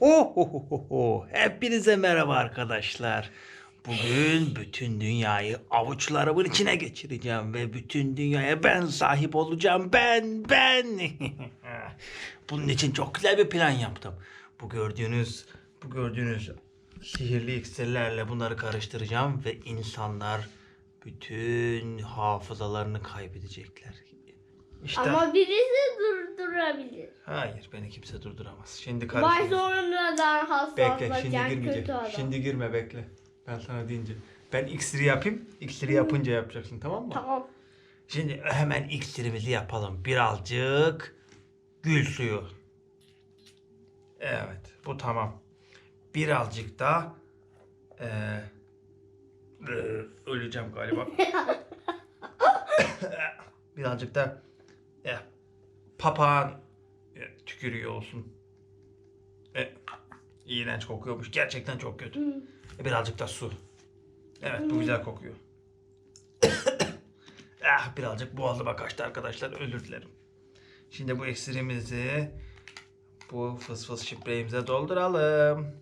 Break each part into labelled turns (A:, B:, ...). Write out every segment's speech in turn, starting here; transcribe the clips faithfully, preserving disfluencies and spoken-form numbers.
A: Oh, oh, oh, oh, oh. Hepinize merhaba arkadaşlar. Bugün bütün dünyayı avuçlarımın içine geçireceğim ve bütün dünyaya ben sahip olacağım. Ben, ben. Bunun için çok güzel bir plan yaptım. Bu gördüğünüz, bu gördüğünüz sihirli iksirlerle bunları karıştıracağım ve insanlar bütün hafızalarını kaybedecekler. İşte.
B: Ama birisi durdurabilir.
A: Hayır, beni kimse durduramaz. Şimdi
B: Baş
A: karıştıracağım.
B: sonradan
A: Bekle, şimdi
B: hastalaşan kötü
A: girmeyecek.
B: adam.
A: Şimdi girme, bekle. Ben sana deyince. Ben iksiri yapayım. İksiri yapınca yapacaksın, tamam mı?
B: Tamam.
A: Şimdi hemen iksirimizi yapalım. Birazcık gül suyu. Evet, bu tamam. Birazcık da eee, eee, öleceğim galiba. Birazcık da e, papağan e, tükürüyor olsun. E, iğrenç kokuyormuş. Gerçekten çok kötü. E, birazcık da su. Evet, bu güzel kokuyor. Ah, birazcık boğazıma kaçtı arkadaşlar. Özür dilerim. Şimdi bu iksirimizi bu fıs fıs şipreyimize dolduralım.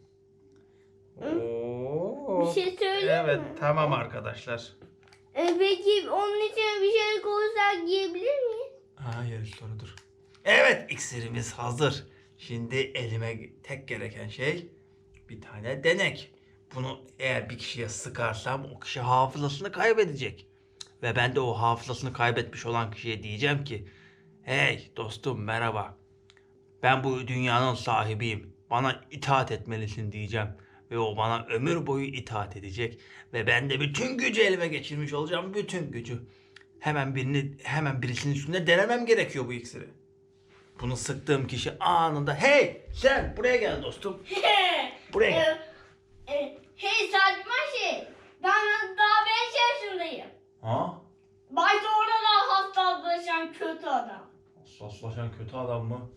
A: Oo.
B: Bir şey söyleyeyim
A: Evet,
B: mi?
A: tamam arkadaşlar.
B: E peki onun içine bir şey koysak yiyebilir miyiz?
A: Hayır, soru dur. Evet, iksirimiz hazır. Şimdi elime tek gereken şey bir tane denek. Bunu eğer bir kişiye sıkarsam o kişi hafızasını kaybedecek. Ve ben de o hafızasını kaybetmiş olan kişiye diyeceğim ki hey dostum merhaba. Ben bu dünyanın sahibiyim. Bana itaat etmelisin diyeceğim. Ve o bana ömür boyu itaat edecek. Ve ben de bütün gücü elime geçirmiş olacağım. Bütün gücü. Hemen birini, hemen birisinin üstünde denemem gerekiyor bu iksiri. Bunu sıktığım kişi anında hey sen buraya gel dostum. Buraya gel.
B: E, e, hey saçma şey. Ben daha beş yaşındayım.
A: Ha?
B: Baş sonradan hastalaşan kötü adam.
A: Hassaslaşan kötü adam mı?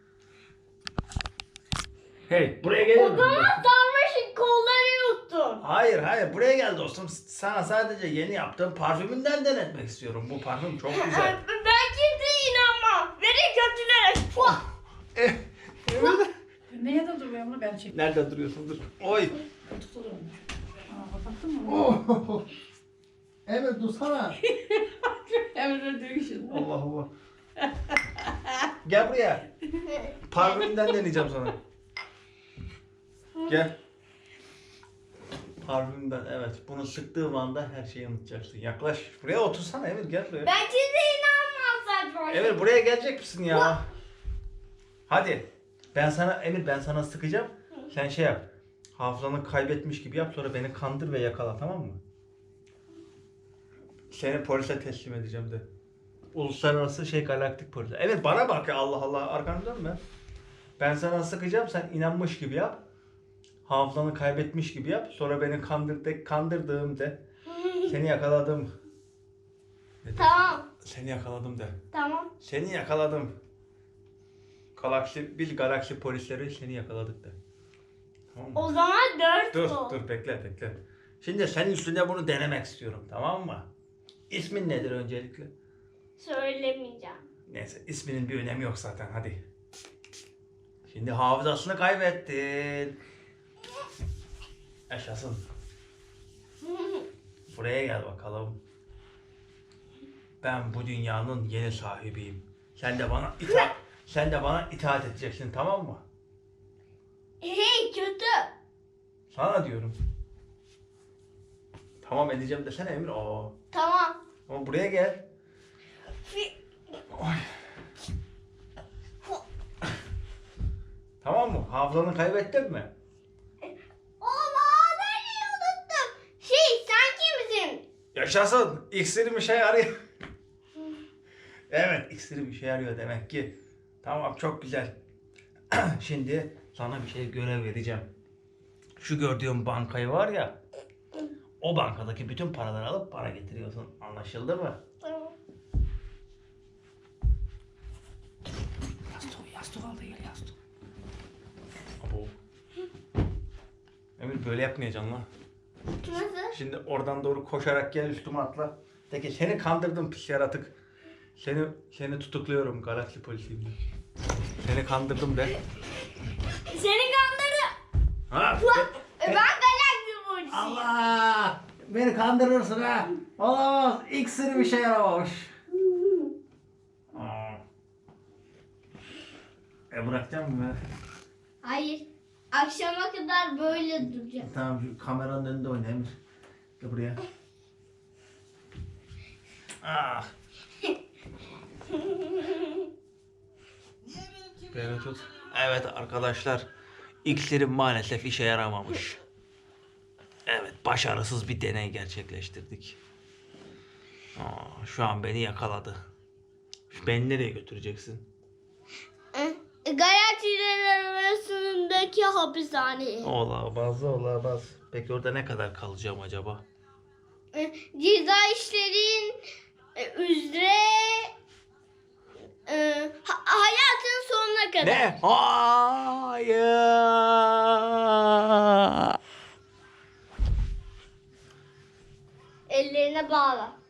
A: Hey buraya gel.
B: O zaman sarmaşık kolları yuttun.
A: Hayır hayır buraya gel dostum. Sana sadece yeni yaptığım parfümünden denetmek istiyorum. Bu parfüm çok güzel.
B: Ben kimseye inanmam. Beni kötülere. Fuh!
A: Eh, evet.
C: Neye de duruyor bunu ben çekeyim.
A: Nerede duruyorsun dur. Oy.
C: Tutulur mu? Aa, kapattın mı?
A: Oh. Evet dursana.
C: Emre diyor şimdi.
A: Allah Allah. Gel buraya. Parfümden deneyeceğim sana. Gel. Parfümden evet. Bunu sıktığım anda her şeyi unutacaksın. Yaklaş. Buraya otursana Emir gel buraya.
B: Ben kimseye inanmam saçma şey.
A: Emir buraya gelecek misin ya? Hadi. Ben sana Emir ben sana sıkacağım. Sen şey yap. Hafızanı kaybetmiş gibi yap sonra beni kandır ve yakala tamam mı? Seni polise teslim edeceğim de. Uluslararası şey galaktik polis. Evet bana bak ya Allah Allah arkanı dönme. Ben sana sıkacağım sen inanmış gibi yap. Hafızanı kaybetmiş gibi yap. Sonra beni kandırdı, kandırdığım de. Seni yakaladım. Ne de?
B: Tamam.
A: Seni yakaladım de.
B: Tamam.
A: Seni yakaladım. Galaksi, bil galaksi polisleri seni yakaladık de. Tamam mı?
B: O zaman dört
A: Dur
B: sol.
A: dur bekle bekle. Şimdi senin üstünde bunu denemek istiyorum tamam mı? İsmin nedir öncelikle?
B: Söylemeyeceğim.
A: Neyse isminin bir önemi yok zaten hadi. Şimdi hafızasını kaybettin. Yaşasın. Buraya gel bakalım. Ben bu dünyanın yeni sahibiyim. Sen de bana itaat, sen de bana itaat edeceksin tamam mı?
B: Hey kötü.
A: Sana diyorum. Tamam edeceğim desene Emir. Aa.
B: Tamam.
A: Ama buraya gel. Oy. Tamam mı? Hafızanı kaybettin mi?
B: Oğlum ben unuttum. Şey sen kimsin?
A: Yaşasın. İksirim işe yarıyor. Evet iksirim işe yarıyor demek ki. Tamam çok güzel. Şimdi sana bir şey görev vereceğim. Şu gördüğüm bankayı var ya. O bankadaki bütün paraları alıp para getiriyorsun. Anlaşıldı mı?
B: Tamam.
C: Yastık, yastık al da gel yastık.
A: Abo. Emir böyle yapmayacaksın lan.
B: Nasıl?
A: Şimdi oradan doğru koşarak gel üstüme atla. De ki seni kandırdım pis yaratık. Seni seni tutukluyorum galaksi polisiyim de. Seni kandırdım de.
B: Seni kandırdı.
A: Ha,
B: E, ben galaksi burcuyum.
A: Allah! Beni kandırırsın ha. Olamaz. İksiri bir şey yaramamış. Aa. E bırakacağım mı?
B: Hayır. Akşama kadar böyle duracağım.
A: Tamam şu kameranın önünde oyna Emir. Gel buraya. Ah. Beni tut. Evet arkadaşlar. İksirim maalesef işe yaramamış. Evet, başarısız bir deney gerçekleştirdik. Aa, şu an beni yakaladı. Beni nereye götüreceksin?
B: E, Galaksiler arasındaki hapishaneye.
A: Olamaz, olamaz. Peki orada ne kadar kalacağım acaba?
B: E, Ceza işlerin e, üzere e, ha- hayatın sonuna kadar.
A: Ne? Hayır.
B: Ellerine bağla.